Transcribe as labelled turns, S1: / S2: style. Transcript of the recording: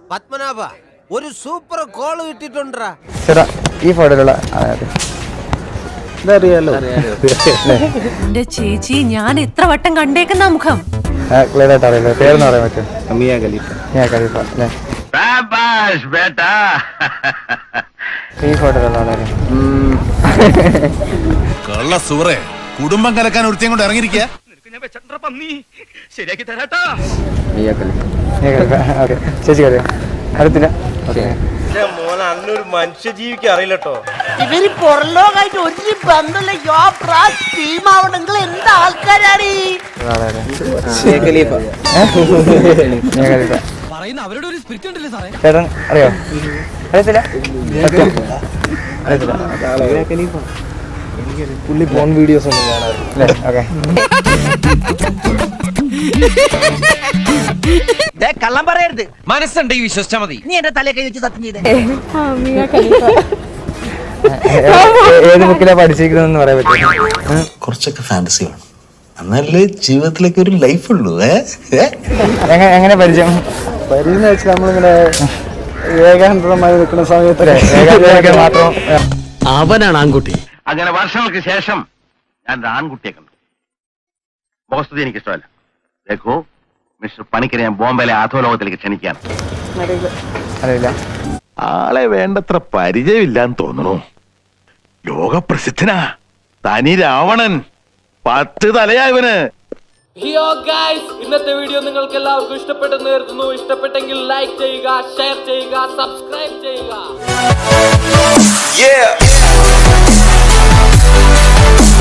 S1: പത്മനാഭ ഒരു super call കിട്ടിട്ടുണ്ടാ
S2: ചേട്ടാ ഈ ഫോട്ടോയിലുള്ള ഇതറിയാലോ
S3: എന്റെ ചേച്ചി ഞാൻ എത്ര വട്ടം കണ്ടേക്കുന്ന മുഖം
S2: ക്ലിയർ ആയിട്ട് അറിയില്ല പേരെന്ന് പറയാൻ പറ്റും മിയ ഖലീഫ അല്ലേ ഈ ഫോട്ടോയിലുള്ള ആളാണ്
S4: കള്ള സൂറേ കുടുംബം കലക്കാൻ ഒരുത്തിയും കൊണ്ട് ഇറങ്ങിയിരിക്കുക
S2: മിയ ഖലീഫ ഓക്കെ ചേച്ചി അറിയാം അറിയത്തില്ല ഓക്കെ
S5: മോനെ അന്നൊരു മനുഷ്യ ജീവിക്ക് അറിയില്ലട്ടോ.
S6: ഇവര് പുറലോകായിട്ട് ഒരു ബന്ധമില്ല. ടീമാവണെങ്കിൽ എന്താ ആൾക്കാരാണ്
S2: ചേട്ടൻ അറിയോ? അറിയത്തില്ല
S5: പുള്ളി ഫോൺ വീഡിയോസ് ഒന്നും കാണാറില്ല.
S2: ഓക്കെ
S6: കള്ളം പറയരുത്.
S1: മനസ്സുണ്ടെങ്കിൽ വിശ്വസിച്ചാ മതി.
S6: നീ എന്റെ തലയെ കൈ വെച്ച് സത്യം ചെയ്തേ.
S2: ഏത് ബുക്കിലാ പഠിച്ചിരിക്കുന്നതെന്ന് പറയാൻ പറ്റും?
S4: കുറച്ചൊക്കെ ഫാന്റസി വേണം, എന്നാലേ ജീവിതത്തിലേക്ക് ഒരു ലൈഫ് ഉള്ളൂ.
S2: എങ്ങനെ പരിചയം?
S5: പരിന്ന് വെച്ചാൽ നമ്മളിങ്ങനെ ഏകാന്തമായി നിൽക്കുന്ന സമയത്ത്
S2: മാത്രം
S7: അവനാണ് ആൺകുട്ടി.
S8: അങ്ങനെ വർഷങ്ങൾക്ക് ശേഷം ഞാൻ ഒരു ആൺകുട്ടിയെ കണ്ടു. മുഖസ്തുതി എനിക്ക് ഇഷ്ടമല്ല. ദേഖോ മിസ്റ്റർ പണിക്കരെ ഞാൻ ബോംബെയിലെ അധോലോകത്തിലേക്ക് ക്ഷണിക്കാൻ.
S2: അറിയില്ല.
S4: ആളെ വേണ്ടത്ര പരിചയമില്ലാന്ന് തോന്നുന്നു. ലോകപ്രസിദ്ധനാ, തനി രാവണൻ, 10 തലയാ ഇവന്.
S9: ഹിയോ ഗൈസ്, ഇന്നത്തെ വീഡിയോ നിങ്ങൾക്ക് എല്ലാവർക്കും ഇഷ്ടപ്പെട്ടെന്ന് കരുതുന്നു. ഇഷ്ടപ്പെട്ടെങ്കിൽ ലൈക്ക് ചെയ്യുക, ഷെയർ ചെയ്യുക, സബ്സ്ക്രൈബ് ചെയ്യുക.